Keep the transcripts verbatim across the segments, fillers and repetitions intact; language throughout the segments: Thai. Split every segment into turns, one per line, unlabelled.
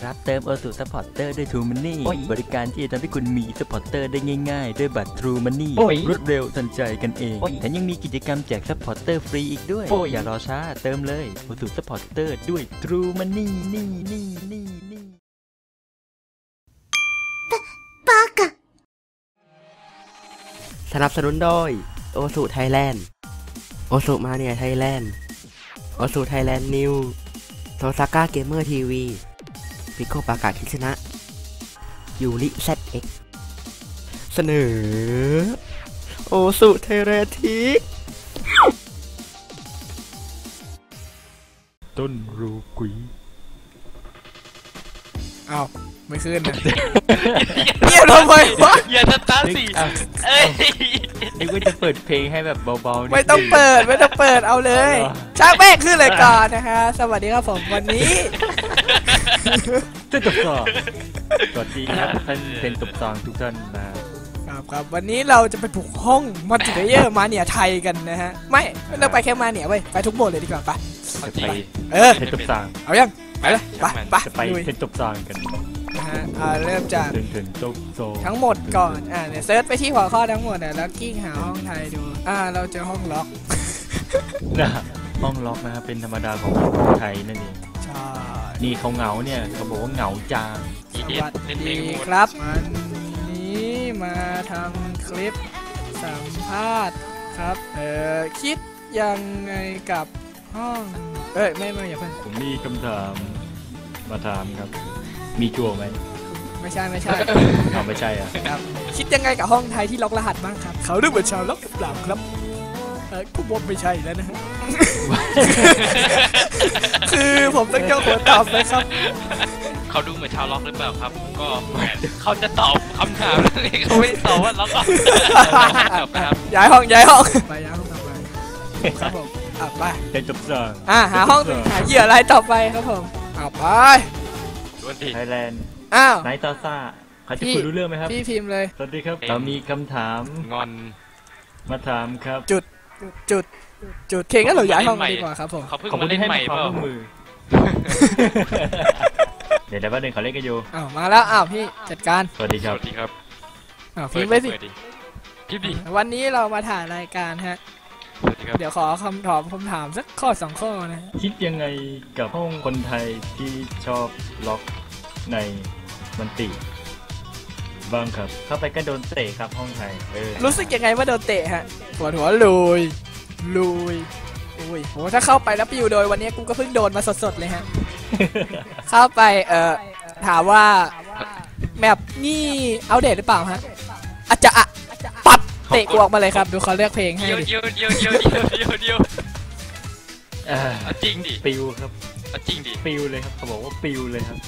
รับเติม โอ ทู Supporter ด้วย True Money บริการที่จะทำให้คุณมี Supporter ได้ง่ายๆด้วยบัตร True Money รวดเร็วทันใจกันเองแถมยังมีกิจกรรมแจก Supporter ฟรีอีกด้วยอย่ารอช้าเติมเลย โอ ทู Supporter ด้วย True Money นี่นี่นี่นี่
บ้ากะ
สนับสนุนโดยโอสุไทยแลนด์โอสุมาเนียไทยแลนด์โอสุไทยแลนด์นิวโซซาก้าเกมเมอร์ทีวีพิโคปากาคิชนะยูริแซดเอ็กเสนอโอสุไทยแลนด์ทิก
ต้นรูกุย
อ้าวไม่ขึ้นนะเงียบทำไมวะ
อย่าสตาร์ทสิเอ้ย
นึกว่าจะเปิดเพลงให้แบบเบาๆ
ไม่ต้องเปิดไม่ต้องเปิดเอาเลยช่างแม่ขึ้นเลยก่อนนะคะสวัสดีครับผมวันนี้
จะตบซองสวัสดีครับท่านเป็นตบซองทุกท่าน
นะครับครับวันนี้เราจะไปปลุกห้องมัลติเพลเยอร์มาเนียไทยกันนะฮะไม่ไม่ต้องไปแค่มาเนียไปไปทุกโหมดเลยดีกว่าไป
ไป
เออ
เป็นตบซอง
เอายังไปเลยไปไป
ไปเป็นตบซองกัน
นะฮะเริ่มจากทั้งหมดก่อนอ่าเนี่ยเซิร์ชไปที่หัวข้อทั้งหมดแล้วกิ้งหาห้องไทยดูอ่าเราเจอห้องล็อก
นะห้องล็อกนะครับเป็นธรรมดาของไทยนั่นเอง
ใช่
นี่เขาเหงาเนี่ยเขาบอกว่าเหงาจาง
สวัสดีครับวันนี้มาทำคลิปสัมภาษณ์ครับเออคิดยังไงกับห้องเอ้ยไม่ไม่อย่าเพิ่ง
ผมมีคำถามมาถามครับมีจั่วไหม
ไม่ใช่ไม่ใช่
เอาไม่ใช่อ่ะ
ครับคิดยังไงกับห้องไทยที่ล็อกรหัสบ้างครับเขาดูเหมือนชาวล็อกหรือเปล่าครับเออผมว่าไม่ใช่แล้วนะคือผมต้องเจ้าหัวตอบเลยครับ
เขาดูเหมือนชาวล็อกหรือเปล่าครับก็เขาจะตอบคำถามนี่เขาไม่ตอบว่าล็อกครับ
ย้ายห้องย้ายห้องไปย้ายห้องต่อไปครับผมอ่ะไป
จะจบสอง
อ่ะหาห้องหาเหยื่ออะไรต่อไปครับผมอ่ะไป
ไทยแลนด์
อ้าว
ไนท์ตอซ่าเขาจะคุยรู้เรื่องไหมครับ
พี่พิมพ์เลย
สวัสดีครับเรามีคำถาม
งอน
มาถามครับ
จุดจุดจุดเข่งก็เราย้ายห้องดีกว่าครับผม
เขาเพิ่งมาเล่นใหม่เปล่า
มือเดี๋ยวเดี๋ยวแป๊บนึงเขาเล่นกันอยู่
อ้าวมาแล้วอ้าวพี่จัดการ
สวัสดีครับ
สวัสดีครับ
อ้าวพิมพ์ไปสิ
พิมพ์ดิ
วันนี้เรามาถ่ายรายการฮะเดี๋ยวขอคำตอบคำถามสักข้อสองข้อนะ
คิดยังไงกับห้องคนไทยที่ชอบล็อกในมันติบ้างครับเข้าไปก็โดนเตะครับห้องไทย
รู้สึกยังไงว่าโดนเตะฮะปวดหัวลุยลุยอุ้ยโหถ้าเข้าไปแล้วปิวโดยวันนี้กูก็เพิ่งโดนมาสดๆเลยฮะเข้าไปเอ่อถามว่าแมปนี่อัปเดตหรือเปล่าฮะอาจจะอะปัดเตะกูออกมาเลยครับดูเขาเลือกเพลงให้
ดิเดียวเดียวเดียวเดียวเดียวเดียวจริงดิ
ปิวครับ
จริงดิ
ปิวเลยครับเขาบอกว่าปิวเลยครับ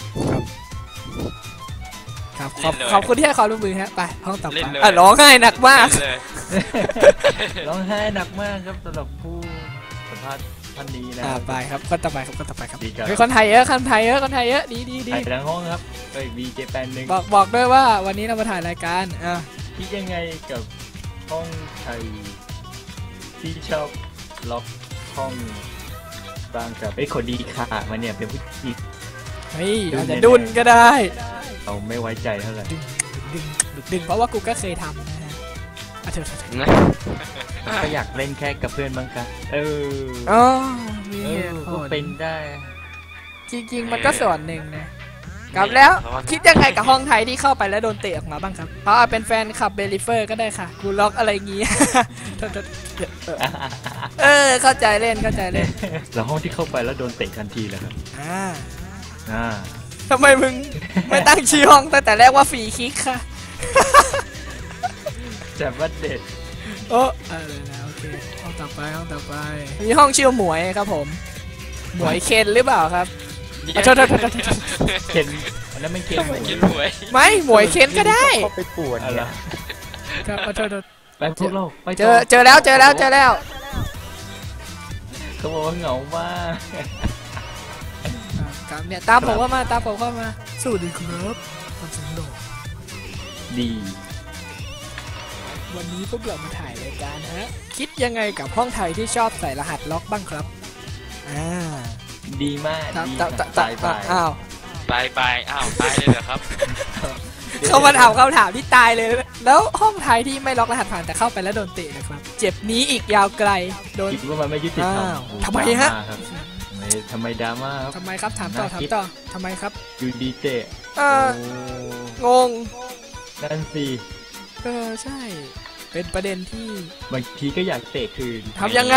ครับขอบขอบคุณที่ให้ความร่วมมือฮะไปห้องต่อไปอ่ะร้องไห้หนักมาก
ร้องไห้หนักมากครับสำหรับผู้สัมภาษณ์ท่านนี้นะ
ไปครับคนต่อไปครับคนต่อไปครับคนไทยเยอะคนไทยเยอะคนไทยเยอะดีดีดี
ถ่ายทั้งห้องครับไปวีเจแปนหนึ่ง
บอกบอกด้วยว่าวันนี้เรามาถ่ายรายการอ่ะ
คิดยังไงกับห้องไทยที่ชอบล็อกห้องบ้างครับไอ้คนดีค่ะมันเนี่ยเป็นผู้หญิง
เฮ้ยอาจจะดุนก็ได้
เราไม่ไว้ใจเท่าไหร่
ดึงดึงดึงเพราะว่ากูก็เคยทำนะฮะอ่ะเถอะ
ก็อยากเล่นแค่กับเพื่อนบ้างครับเออ
อ๋อมี
ก็เป็นได้
จริงๆมันก็ส่วนหนึ่งนะกลับแล้วคิดยังไงกับห้องไทยที่เข้าไปแล้วโดนเตะออกมาบ้างครับเพราะเป็นแฟนคลับเบลิเฟอร์ก็ได้ค่ะกูล็อกอะไรงี้เออเข้าใจเล่นเข้าใจเล่น
แล้วห้องที่เข้าไปแล้วโดนเตะทันทีเลยครับ
อ่า
อ่า
ทำไมมึงไม่ตั้งชื่อห้องตั้งแต่แรกว่าฟรีคิกค่ะ
แต่ว่าเด็ด
โอ้อะไรนะโอเคห้องต่อไปห้องต่อไปมีห้องชื่อหมวยครับผมหมวยเคนหรือเปล่าครับโทษโทษโทษ
เคนอันนั้นไม่เคนหมวย
ไม่หมวยเคนก็ได้
ไปปวดอะไร
ครับโทษโทษ
ไปพวกเราไป
เจอเจอแล้วเจอแล้วเจอแล้ว
เขาบอกว่าเหงามาก
ครับเนี่ยตามผมว่ามาตามผมเข้ามาสวัสดีครับคนสังโด
ดี
วันนี้พวกเรามาถ่ายรายการฮะคิดยังไงกับห้องไทยที่ชอบใส่รหัสล็อกบ้างครับอ่า
ดีมาก
ดีสายไปอ้าว
บายบายอ้าวตายเลยเหรอครับ
เขามาถามคำถามที่ตายเลย แล้วห้องไทยที่ไม่ล็อกรหัสผ่านแต่เข้าไปแล้วโดนเตะนะครับเจ็บนี้อีกยาวไกลโดน
คิดว่ามันไม่ยุติธรรม
อ้าวทำไมฮะ
ดราาครับไม่ทำไมดราม่าครับ
ทำไมครับถามต่อถามต่อทำไมครับ
อยู่ดีเตะ
เออ
โอ้
งง
นั่นสิ
เออใช่ เป็นประเด็นที่
บางทีก็อยากเตะคืน
ทำยังไง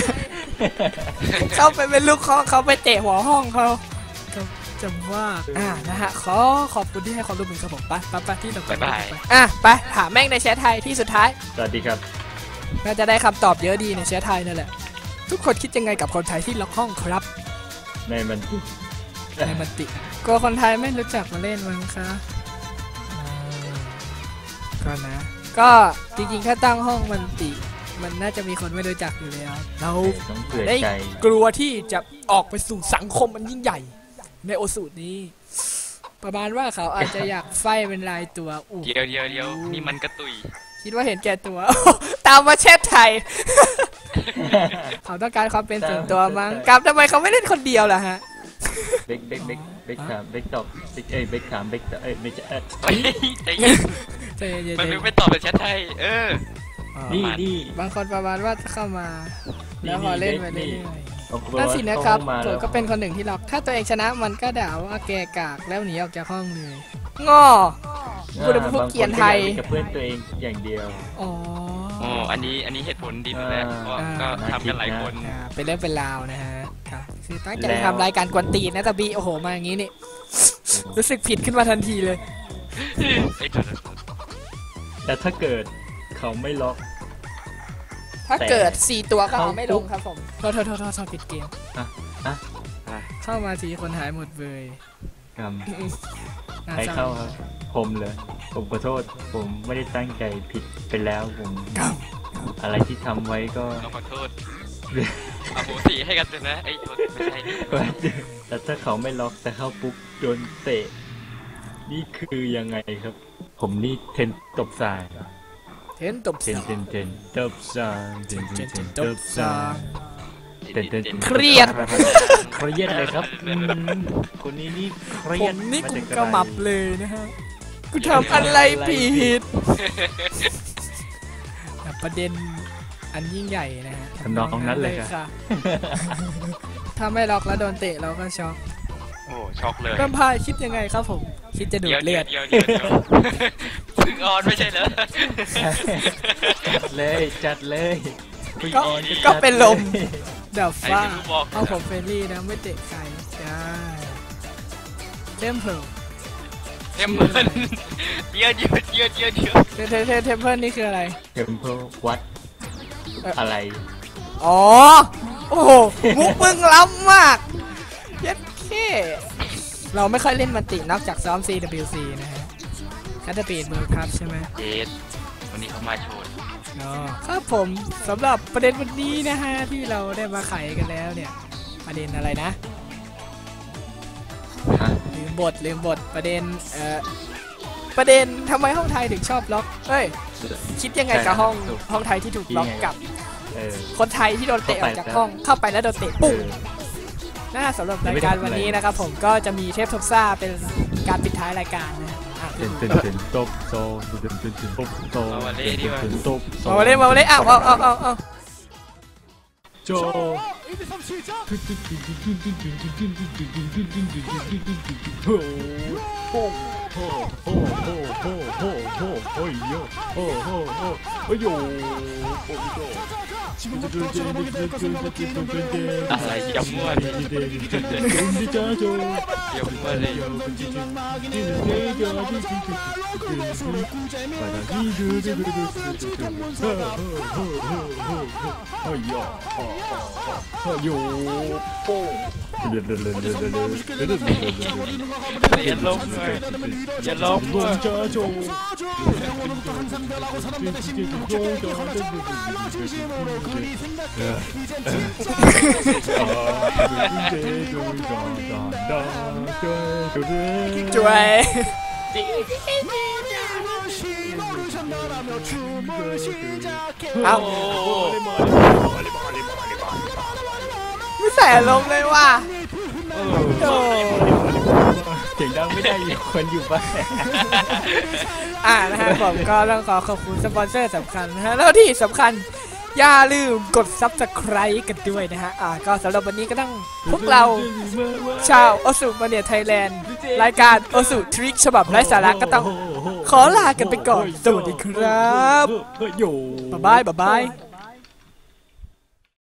เข้าไปเป็นลูกคอเขาไปเตะหัวห้องเขาจำว่าอ่านะฮะขอขอบคุณที่ให้ความร่วมมือครับผมไปไปไปที่ต่อไป
บ๊ายบาย
อ่ะไปถามแม่งในแชทไทยที่สุดท้าย
สวัสดีครับ
น่าจะได้คำตอบเยอะดีในแชทไทยนั่นแหละทุกคนคิดยังไงกับคนไทยที่ล็อกห้องครับ
ในมัน
ในมันติกลัวคนไทยไม่รู้จักมาเล่นมั้งคะอ่าก็นะ ก็จริงๆถ้าตั้งห้องมันติมันน่าจะมีคนไม่รู้จักอยู่แล้วเรา
ต้องเผื่อ
ได้
ใจ
กลัวที่จะออกไปสู่สังคมมันยิ่งใหญ่ในโอสูตรนี้ ประมาณว่าเขาอาจจะอยากไฟเป็นลายตัวอู้
เดี๋ยวเดี๋ยวเดี๋ยวนี่มันกระตุย
คิดว่าเห็นแก่ตัว ตามมาเช็ดไทย เขาต้องการความเป็นส่วนตัวมั้งกับทำไมเขาไม่เล่นคนเดียวล่ะฮะ
เบกเบกเบกเบกสามเบกตอบเบกเอ้ยเบกสามเบกเอ้ยไม่ใช่เอ้ย
เฮ้ยใจเย็น
ใจเย็น
มัน
ๆ
ไม่ตอบเป็นแชทไทย เออ
อ๋อ
นี่นี่
บางคนประมาณว่าเข้ามา
นี่
แล้วพอเล่นไป
นี่
เรื่อย
เอา
ๆนั่นสินะครับ
เข้ามา
ผ
แล้
ม
ว
ก็เป็นคนหนึ่งที่ล็อกถ้าตัวเองชนะมันก็ด่าว่าแกกากแล้วหนีออกจากห้องเลยง้อ พูดถึงพวกเกรียนไทย
บางคนก็อากเล่นกับเพื่อนตัวเองอย่างเดียว
อ๋อ
โอ้อันนี้อันนี้เหตุผลดีอยู่แล้วเพราะก็ทำกันหลายคน
อ่าเป็นเรื่องเป็นราวนะฮะครับคือตั้งใจ
แล้ว
ทำรายการกวนตีนนะแต่บีโอ้โหมาอย่างนี้นี่ รู้สึกผิดขึ้นมาทันทีเลย
ไอ้จุด
แต่ถ้าเกิดเขาไม่ล็อก
ถ้าเกิดสี่ตัวก็เอา
เขา
ไม่ลงครับผมโทษโทษโทษโทษโทษผิดเกม
อ่ะอ่ะ
เข้ามาทีคนหายหมดเลย
กรรม
น่
ใคร
ศร้
เข้าครับผมเลย ผมขอโทษ ผมไม่ได้ตั้งใจผิดไปแล้วผม
ครับ
อะไรที่ทำไว้ก็
เราขอโทษอโหสิให้กันเลยนะไอ้โทษไม่ใช่นี่
แต่ถ้าเขาไม่ล็อกแต่เข้าปุ๊บโดนเตะ นี่คือยังไงครับ ผมนี่เทนตบสาย
เทนตบ
เท
สาน
เทนเทนตบสายเทนเทนเทนตบสายเทนเทนเทน
เครียด
เครียดเลยครับอืมคนนี้นี่เครี
ผ
ยด
มนี่
า
กู
จาก
กระหมับเลยนะฮะกูทำอะไรผิดประเด็นอันยิ่งใหญ่นะฮะ
ทำนองนั้นเลยครับ
ค่ะถ้าไม่ล็อกแล้วโดนเตะเราก็ช็อก
โอ้ช็อกเลย
แวมไพร์คิดยังไงครับผม คิดจะดู
เดี๋ย
ด
ว
เลื
เดี๋
อ
ยว
ด
เดี๋ยวเดี๋ยวเดี๋ยวเพึ่งออนไม่ใช่เหรอ
จัดเลยจัดเลยคุณ
ก็
ออน
ก็
จัด
เป็นลม
ย
เดี๋ยว
ไอ้
ฟ้า
ที่กูบอก
เอาผมเฟรนลี่นะไม่เตะใครใช่เทมเพล
เทมเพิลเยอะเยอะเยอะเยอะเยอะ
เทเทเทเทมเพลนี่คืออะไร
เทมเพลวัด
เอ่ออ
อะไร
อ๋อ โอ้โห มุกมึงล้ำมากเย็ดเคเราไม่ค่อยเล่นมันตินอกจากซ้อม ซี ดับเบิลยู ซี นะฮะแคทเตอร์ปีดเบิร์ครับใช่ไหม
เจดวันนี้เขามาโชว์
อ๋อครับผมสำหรับประเด็นวันนี้นะฮะ ที่เราได้มาไขกันแล้วเนี่ย ประเด็นอะไรนะ
ฮะ
ลืมบทลืมบทประเด็นเอ่อประเด็นทำไมห้องไทยถึงชอบล็อกเอ้ย คิดยังไงกับห้องห้องไทยที่ถูกล็อกกับ
เออ
คนไทยที่โดนเตะออกจาก
เข้าไป
ห้องเข้าไปแล้วโดนเตะ
เอ
ปุ้ง
อ
น่าสำหรับรายการวันนี้นะครับผมก็จะมีเทปทบซ่าเป็นการปิดท้ายรายการนะอ่ะ
เต้นเต้นเต้นตบโซเต้นเต้นเต้นตบโซเต้นเต้นตบโซ
มาเล่นมาเล่นอ้าวเอาเอาเอาเอา
โจโอ้โหโอ้โหโอ้โหโอ้โหโอ้ยโยโอ้โหโอ้โอ้ยโยโอ้โย
อะไรอย่ามั่วดิอย่ามั่วเลย อย่าล้มเลยอย่าล้มเลย
ช่วยเอาไม่ใส่อารมณ์เลยว่ะโอ้
เสียงดังไม่ได้อยู่คนอยู่บ้าน
อ่านะฮะผมก็ต้องขอขอบคุณสปอนเซอร์สำคัญนะฮะแล้วที่สำคัญอย่าลืมกด ซับสไครบ์ กันด้วยนะฮะอ่าก็สำหรับวันนี้ก็ต้องพวกเราชาวโอสุมาเนียไทยแลนด์รายการโอสุทริคฉบับไร้สาระก็ต้องขอลากันไปก่อนสวัสดีครับบ๊ายบายบ๊ายบาย